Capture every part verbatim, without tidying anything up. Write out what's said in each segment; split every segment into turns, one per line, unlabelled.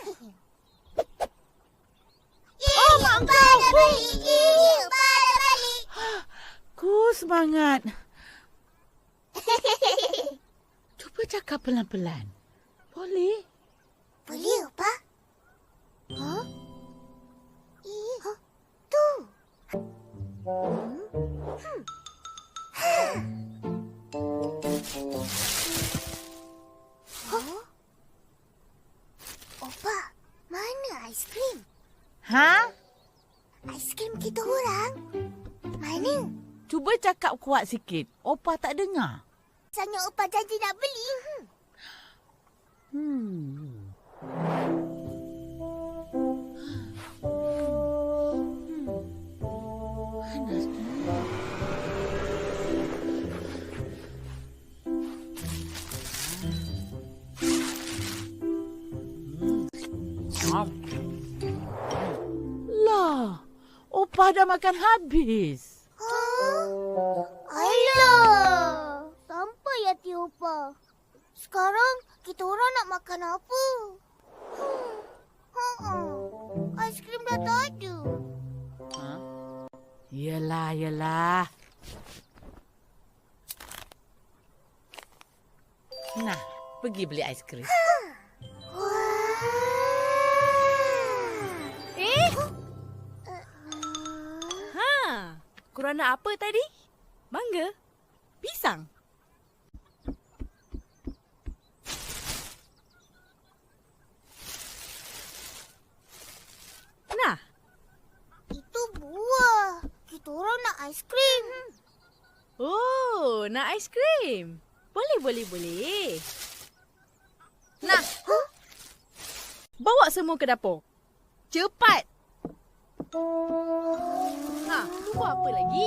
Oh, mak kau. Dah balik. Opa dah balik.
Ku semangat. Cuba cakap pelan-pelan. Boleh?
Boleh, Opa? Huh? Eh, huh? Tu. Hmm? Hmm. Huh? Opa, mana aiskrim?
Ha?
Aiskrim kita orang. Mana?
Cuba cakap kuat sikit. Opa tak dengar.
Sanya Opa janji nak beli.
Hmm. Lah, Opa dah makan habis.
Huh? Alah, sampai hati Opa. Sekarang kita orang nak makan apa? Hmm. Hmm. Aiskrim dah tak ada.
Ha? Yelah, yelah. Nah, pergi beli aiskrim.
Wah.
Eh? Ha, korang nak apa tadi? Mangga? Pisang? Nah,
Itu buah. Kita orang nak aiskrim.
oh, nak aiskrim? Boleh, boleh, boleh. Nah,
Huh?
bawa semua ke dapur. Cepat. Ha, tunggu apa lagi?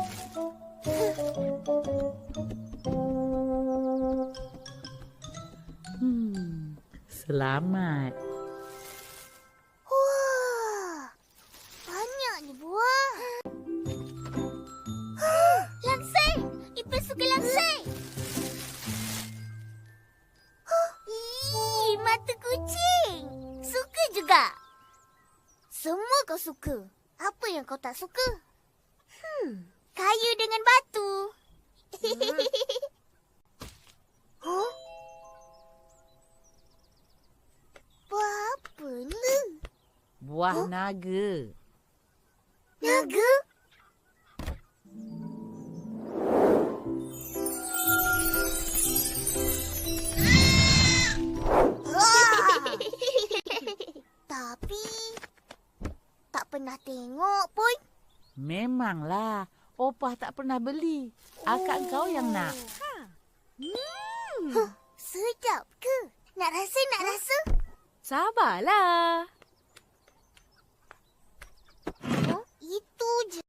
Hmm, selamat.
Wah. Banyak ni buah. Langsing. Ipin suka langsing. Ih, mata kucing. Suka juga. Semua kau suka. Apa yang kau tak suka? Hmm, kayu dengan batu. Huh? Buah apa ni?
Buah naga.
Naga? Tapi tak pernah tengok pun.
Memanglah. Opa tak pernah beli. Akak kau yang nak.
Hmm,
Huh, sedap ke? Nak rasa, nak rasa?
sabarlah.